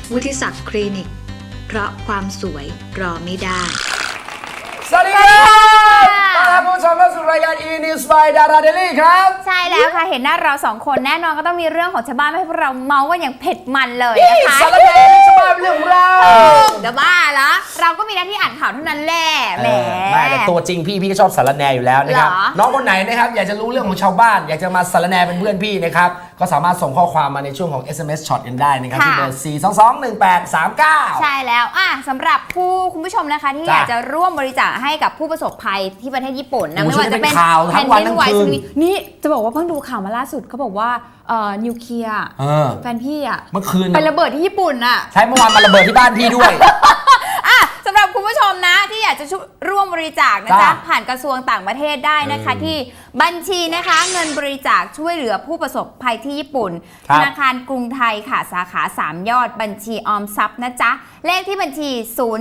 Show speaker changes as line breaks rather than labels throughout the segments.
วุฒิศักดิ์คลินิกเพราะความสวยรอไม่ได้
สวัสดีครับต้อนรับผู้ชมเข้าสู่รายการ E-News by Dara Daily ครับ
ใช่แล้วค่ะเห็นหน้าเราสองคนแน่นอนก็ต้องมีเรื่องของชาวบ้านให้พวกเราเมาส์กันอย่างเผ็ดมันเลยนะคะ
สารแหน่ชาวบ้านเรื่องของเรา
จะบ้าละเราก็มีหน้าที่อ่านข่าวเท่านั้นแหละแหม
ไม่แต่ตัวจริงพี่ก็ชอบสารแหน่อยู่แล้วนะครับน้องคนไหนนะครับอยากจะรู้เรื่องของชาวบ้านอยากจะมาสารแหน่เป็นเพื่อนพี่นะครับก็สามารถส่งข้อความมาในช่วงของ SMS Shot กันได้นะครับที่เบอร์4221839
ใช่แล้วสำหรับคุณผู้ชมนะคะที่อยากจะร่วมบริจาคให้กับผู้ประสบภัยที่ประเทศญี่ปุ่นนะไม่ว่าจะเป็น
แผ่นดินไหว
นี่จะบอกว่าเพิ่งดูข่าวมาล่าสุดเขาบอกว่านิวเคลียร์แฟนพี่
เมื่อคืน
ไประเบิดที่ญี่ปุ่น
ใช่เมื่อวานมาระเบิดที่บ้านพี่ด้วย
สำหรับคุณผู้ชมนะที่อยากจะร่วมบริจาคนะจ๊ะผ่านกระทรวงต่างประเทศได้นะคะที่บัญชีนะคะเงินบริจาคช่วยเหลือผู้ประสบภัยที่ญี่ปุ่นธนาคารกรุงไทยค่ะสาขา3ยอดบัญชีออมทรัพย์นะจ๊ะเลขที่บัญชี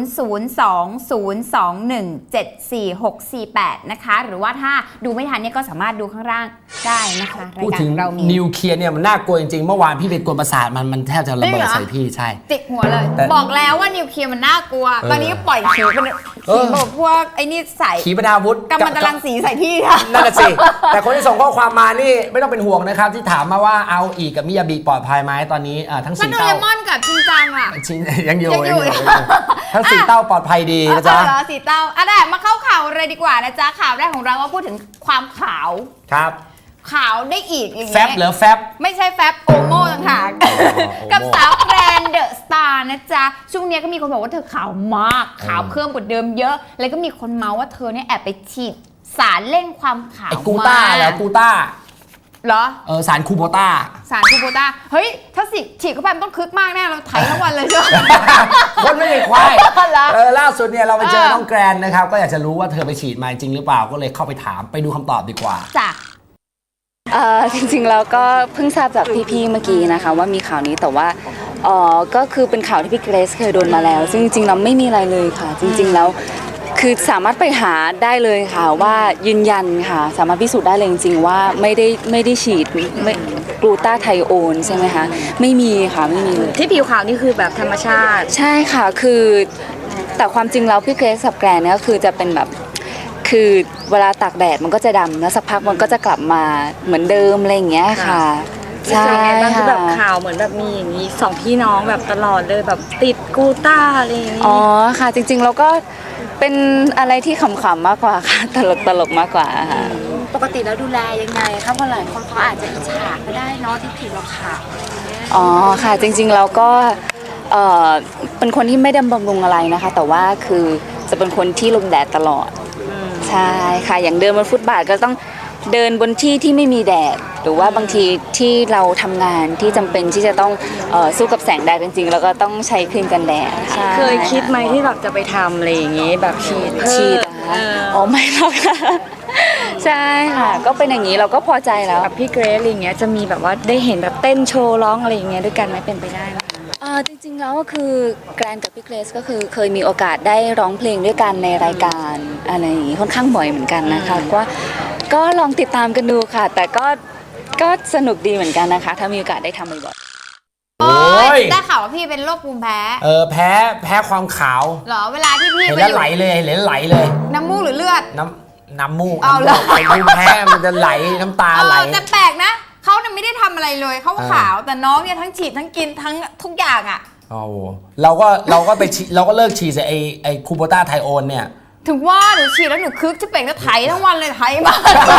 002-021-74648นะคะหรือว่าถ้าดูไม่ทันเนี่ยก็สามารถดูข้างล่างได้นะคะรายการเรามี
นิวเคลียร์เนี่ยมันน่ากลัวจริงๆเมื่อวานพี่ไปกวนประสาทมันแทบจะระเบิดใส่พี่ใช่
ติดหัวเลยบอกแล้วว่านิวเคลียร์มันน่ากลัวตอนนี้ก็ปล่อยขีเป็นขีแบบพวกไอ้นี่ใส่
ขีปนาวุธ
กัมมันตรังสีใส่พี่ค่ะ
นั่นแหละสิแต่คนที่ส่งข้อความมานี่ไม่ต้องเป็นห่วงนะครับที่ถามมาว่าเอาอีกกับมิยาบิปลอดภัยไหมตอนนี้ทั้ง4เต้า
โดเรมอนกับชินจัง
ยังอยู่ทั้ง4เต้าปลอดภัยดีนะจ๊ะ
4เต้าได้มาเข้าข่าวเลยดีกว่านะจ๊ะข่าวแรกของเราว่าพูดถึงความขาว
ครับ
ขาวได้อีกอย่างเงี้ย
แฟบหรือแฟบ
ไม่ใช่แฟบโอโม่ต่างหากกับสาวแกรนเดอะสตาร์นะจ๊ะช่วงนี้ก็มีคนบอกว่าเธอขาวมากขาวเพิ่มกว่าเดิมเยอะแล้วก็มีคนเมาว่าเธอเนี่ยแอบไปฉีดสารเร่งความขาว
กูต้าแล้วกูต้า
เหรอ
สารคูโบต้า
เฮ้ยถ้าฉีดเข้าไปมันต้องคึกมากแน่เราไถทั้งวันเลยใช่ไหม
คนไม่ได้ควายล่าสุดเนี่ยเราไปเจอน้องแกรนนะครับก็อยากจะรู้ว่าเธอไปฉีดมาจริงหรือเปล่าก็เลยเข้าไปถามไปดูคำตอบดีกว่า
จ้ะ
จริงๆแล้วก็เพิ่งทราบจากพี่ๆเมื่อกี้นะคะว่ามีข่าวนี้แต่ว่าก็คือเป็นข่าวที่พี่เกรซเคยโดนมาแล้วซึ่งจริงๆเราไม่มีอะไรเลยค่ะจริงๆแล้วคือสามารถไปหาได้เลยค่ะว่ายืนยันค่ะสามารถพิสูจน์ได้เลยจริงๆว่าไม่ได้ฉีดกลูตาไทโอนใช่ไหมคะไม่มีค่ะไม่มีเลย
ที่ผิวขาวนี่คือแบบธรรมชาติ
ใช่ค่ะคือแต่ความจริงแล้วพี่เกรซกับแกรนเนี่ยก็คือจะเป็นแบบคือเวลาตากแดดมันก็จะดำแล้วสักพักมันก็จะกลับมาเหมือนเดิมอะไรอย่างเงี้ยค่ะ
ใช่ค่ะคือแบบข่าวเหมือนแบบมีอย่างนี้สองพี่น้องแบบตลอดเลยแบบติดกูต้าอะไรอย่างงี้
อ๋อค่ะจริงๆเราก็เป็นอะไรที่ขำๆมากกว่าค่ะตลกมากกว่าค่ะ
ปกติแล้วดูแลยังไงคะเพราะหลายคนเขาอาจจะอิจฉาก็ได้เนาะที่ผิวเราขาว
อ๋อค่ะจริงๆเราก็เป็นคนที่ไม่ได้บำรุงอะไรนะคะแต่ว่าคือจะเป็นคนที่ลงแดดตลอดใช่ค่ะอย่างเดินบนฟุตบาทก็ต้องเดินบนที่ที่ไม่มีแดดหรือว่าบางทีที่เราทำงานที่จำเป็นที่จะต้องสู้กับแสงแดดจริงๆแล้วก็ต้องใช้ครีมกันแดด
เคยคิดไหมที่แบบจะไปทำอะไรอย่างงี้แบบฉีด
อ๋อไม่หรอกค่ะใช่ค่ะก็เป็นอย่างนี้เราก็พอใจแล้ว
กับพี่เกรซอะไรอย่างเงี้ยจะมีแบบว่าได้เห็นแบบเต้นโชว์ร้องอะไรอย่างเงี้ยด้วยกันไหมเป็นไปได้ไหม
จริงๆแล้วก็คือแกรนกับพี่เกรซก็คือเคยมีโอกาสได้ร้องเพลงด้วยกันในรายการอะไรอย่างงี้ค่อนข้างบ่อยเหมือนกันนะคะก็ลองติดตามกันดูค่ะแต่ก็สนุกดีเหมือนกันนะคะถ้ามีโอกาสได้ทำบ่อย
ๆโอ้ยได้ข่าวว่าพี่เป็นโรคภูมิแพ้
แพ้ความขาว
เหรอเวลาที่พี่
เห็นแล้วไหลเลย
น้ำมูกหรือเลือด
น้ำมูกเอาเลยภูมิแพ้มันจะไหลน้ำตาไหล
แต่แปลกนะเขาเนี่ยไม่ได้ทำอะไรเลยเขาขาวแต่น้องเนี่ยทั้งฉีดทั้งกินทั้งทุกอย่างอ่ะ
เราก็ไปเราก็เลิกฉีดไอ้คูโบต้าไทโอนเนี่ย
ถึงว่าหนูฉีดแล้วหนูคึกจะเป่งก็ไถทั้งวันเลยไถมา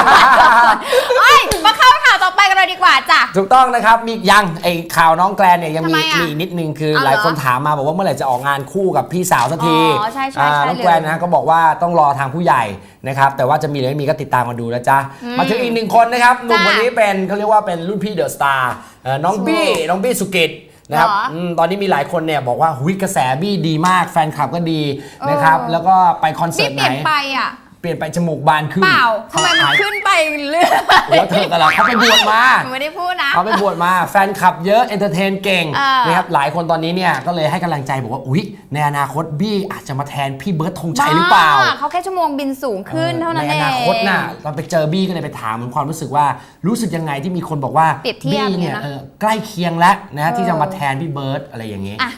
มาเข้าข่าวต่อไปกันเลยดีกว่าจ้ะ
ถูกต้องนะครับมียังไอ้ข่าวน้องแกรนเนี่ยยังมีนิดนึงคือหลายคนถามมาบอกว่าเมื่อไหร่จะออกงานคู่กับพี่สาวสักทีน้องแกรนนะก็บอกว่าต้องรอทางผู้ใหญ่นะครับแต่ว่าจะมีหรือไม่มีก็ติดตามมาดูนะจ๊ะมาถึงอีกหนึ่งคนนะครับหนุ่มคนนี้เป็นเขาเรียกว่าเป็นรุ่นพี่เดอะสตาร์น้องบี้สุกิตนะครับตอนนี้มีหลายคนเนี่ยบอกว่ากระแสบี้ดีมากแฟนคลับก็ดีนะครับแล้วก็ไปคอนเสิร์ตไหนเปลี่ยนไปจมูกบานขึ้น
เปล่าทำไมมันขึ้นไปเรื่อย
แล้วเธอกันล่ะเขาไปบวชมา
ไม่ได้พูดนะ
เขาไปบวชมาแฟนคลับเยอะเอนเตอร์เทนเก่งนะครับหลายคนตอนนี้เนี่ยก็เลยให้กำลังใจบอกว่าในอนาคตบี้อาจจะมาแทนพี่เบิร์ดธงชัยหรือเปล่า
เขาแค่ชั่วโมงบินสูงขึ้นเท่านั้นเอง
ในอนาคตน่ะเราไปเจอบี้ก็เลยไปถามมันความรู้สึกว่ารู้สึกยังไงที่มีคนบอกว่าบี้เนี่ยใกล้เคียงแล้วนะที่จะมาแทนพี่เบิร์ดอะไรอย่างนี้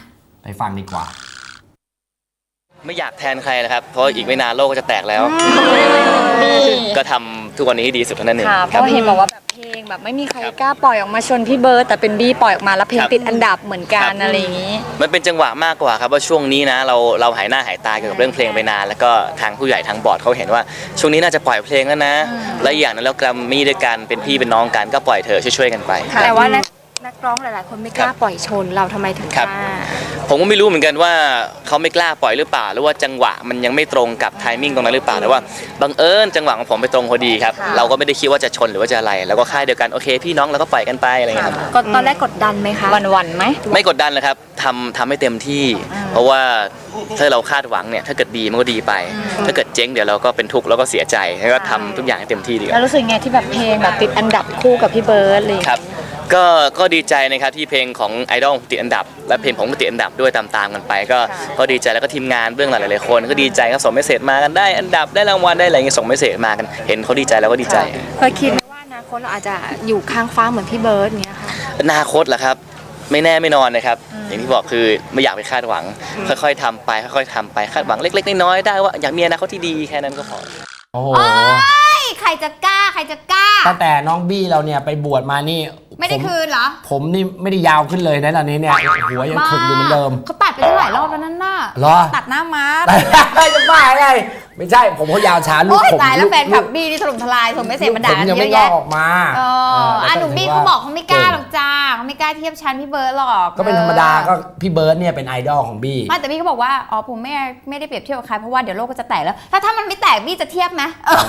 ไปฟังดีกว่า
ไม่อยากแทนใครนะครับ เพราะอีกไม่นานโลกก็จะแตกแล้ว ก็ทำทุกวันนี้ให้ดีสุดเท่านั้นเอง
ค่ะเพราะเห็นบอกว่าแบบเพลงแบบไม่มีใครกล้าปล่อยออกมาชนพี่เบิร์ดแต่เป็นบี้ปล่อยออกมาแล้วเพลงติดอันดับเหมือนกันอะไรอย่างนี้
มันเป็นจังหวะมากกว่าครับว่าช่วงนี้นะเราหายหน้าหายตาเกี่ยวกับเรื่องเพลงไปนานแล้วก็ทางผู้ใหญ่ทางบอร์ดเขาเห็นว่าช่วงนี้น่าจะปล่อยเพลงแล้วนะและอีกอย่างนึงแล้วแกรมมี่ด้วยกันเป็นพี่เป็นน้องกันก็ปล่อยเถอะช่วยๆกันไป
แต่ว่านักร้องหลายๆคนไม่กล้าปล่อยชนเราทำไมถึงกล้า
ผมก็ไม่รู้เหมือนกันว่าเขาไม่กล้าปล่อยหรือเปล่าหรือว่าจังหวะมันยังไม่ตรงกับไทมิ่งตรงนั้นหรือเปล่าแต่ว่าบังเอิญจังหวะของผมไปตรงพอดีครับเราก็ไม่ได้คิดว่าจะชนหรือว่าจะอะไรแล้วก็ค่ายเดียวกันโอเคพี่น้องเราก็ปล่อยกันไปอะไรอย่างเงี้ยครับ
ก็ตอนแรกกดดันไหมคะวันไหม
ไม่กดดันเลยครับทำให้เต็มที่ เพราะว่าถ้าเราคาดหวังเนี่ยถ้าเกิดดีมันก็ดีไป ถ้าเกิดเจ๊งเดี๋ยวเราก็เป็นทุกข์แล้วก็เสียใจแล้วก็ทำทุกอย่างให้เต็มที่ดีก
แล้ว
ว่า
รู้สึกไงที่แบบเพลงแบบติดอันดับคู่กับพี่เบิร์ดเลย
ครับก็ดีใจนะครับที่เพลงของไอดอลติดอันดับและเพลงผมก็ติดอันดับด้วยตามกันไปก็ดีใจแล้วก็ทีมงานเบื้องหลังหลายๆคนก็ดีใจครับส่งเมสเซจมากันได้อันดับได้รางวัลได้อะไรเงี้ยส่งเมสเซจมากันเห็นเขาดีใจแล้วก็ดีใจ
เคยคิดไหมว่าอนาคตเราอาจจะอยู่ข้างฟ้าเหมือนพี่เบิร์ดเงี้ยค่ะ
อนาคตเหรอครับไม่แน่ไม่นอนนะครับอย่างที่บอกคือไม่อยากไปคาดหวังค่อยๆทำไปค่อยๆทำไปคาดหวังเล็กๆน้อยๆได้ว่าอยากมีอนาคตที่ดีแค่นั้นก็พอ
โอ้โห
ใครจะกล้าใครจะกล้า
ตั้งแต่น้องบี้เราเนี่ยไปบวชมานี่
ไม่ได้คืนเหรอ
ผมนี่ไม่ได้ยาวขึ้นเลยนะตอนนี้เนี่ยหัวยังขึงอยู่เหมือนเดิม
เขาตัดไปตั้งหลายรอบแล้วนั่นน่ะ
เหรอ
ตัดหน้าม้า
จะบ้าไงไม่ใช่ผมเขายาวช้าลูก
โอ้ย
ผม
ตายแล้วแฟนคลับ
ลูก
บี้นี่ถล่มทลายส่งไม่เสร็จมาด่า
ผม
กัน
ยัง
เย
ไม่
อะ
งอก
แยะ
ออกมา
หนุ่มบี้เขาบอกเขาไม่กล้าหรอกจ้าเขาไม่กล้าเทียบชั้นพี่เบิร์ดหรอก
ก็เป็นธรรมดาก็พี่เบิร์ดเนี่ยเป็นไอดอลของบี้
ไม่แต่บี้เขาบอกว่าอ๋อผมไม่ได้เปรียบเทียบกับใครเพราะว่าเดี๋ยวโลกก็จะแตกแล้วถ้ามันไม่แตกบี้จะเทียบไหม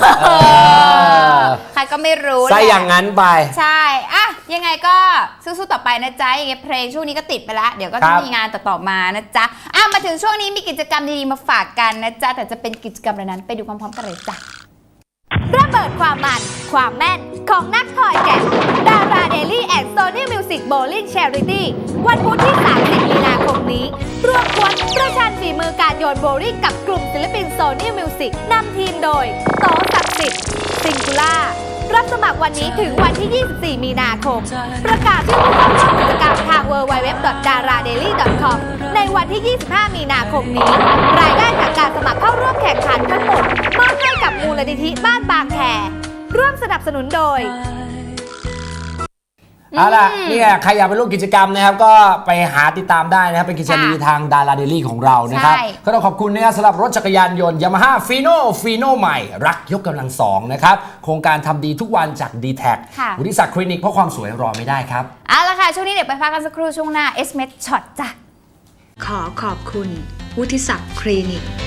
ใครก็ไม่รู้
ใช่อย่างนั้นไป
ใช่อะยังไงก็สู้ๆต่อไปนะจ๊ะยังไงเพลงช่วงนี้ก็ติดไปแล้วเดี๋ยวก็
ครั
จะ
บ
มีงานต่อๆมานะจ๊ะมาถึงช่วงนี้มีกิจกรรมดีๆมาฝากกันนะจ๊ะแต่จะเป็นกิจกรรมอะไรนั้นไปดูพร้อมๆกันเลยจ้ะ ระเบิดความมัน ความแม่น ของนักถอยแกะดาราเดลี่แอนด์โซนี่มิวสิกโบลิ่งแชริตี้วันพุธที่ 30 มีนาคมนี้รวมกวนประชันฝีมือการโยนโบลิ่งกับกลุ่มศิลปินโซนี่มิวสิกนำทีมโดยโตศักดิ์สิทธิ์ซิงคูล่ารับสมัครวันนี้ถึงวันที่ 24 มีนาคม ประกาศชื่อผู้เข้าร่วมกิจกรรมทาง www.daradaily.com ในวันที่ 25 มีนาคมนี้ รายได้จากการสมัครเข้าร่วมแข่งขันทั้งหมดมอบให้กับมูลนิธิบ้านบางแคร่วมสนับสนุนโดย
เอาล่ะนี่ไงใครอยากไปร่วมกิจกรรมนะครับก็ไปหาติดตามได้นะครับเป็นกิจกรรมดีทางดาราเดลี่ของเรานะครับ
ใช่
ก็ต้องขอบคุณนะครับสำหรับรถจักรยานยนต์ Yamaha Fino ใหม่รักยกกำลังสองนะครับโครงการทำดีทุกวันจาก D-Tag
ค่ะ
วุฒิศักดิ์คลินิกเพราะความสวยรอไม่ได้ครับ
เอาละค่ะ ช่วงนี้เดี๋ยวไปพักกันสักครู่ช่วงหน้า S-Med Shot จ้ะ
ขอขอบคุณวุฒิศักดิ์คลินิก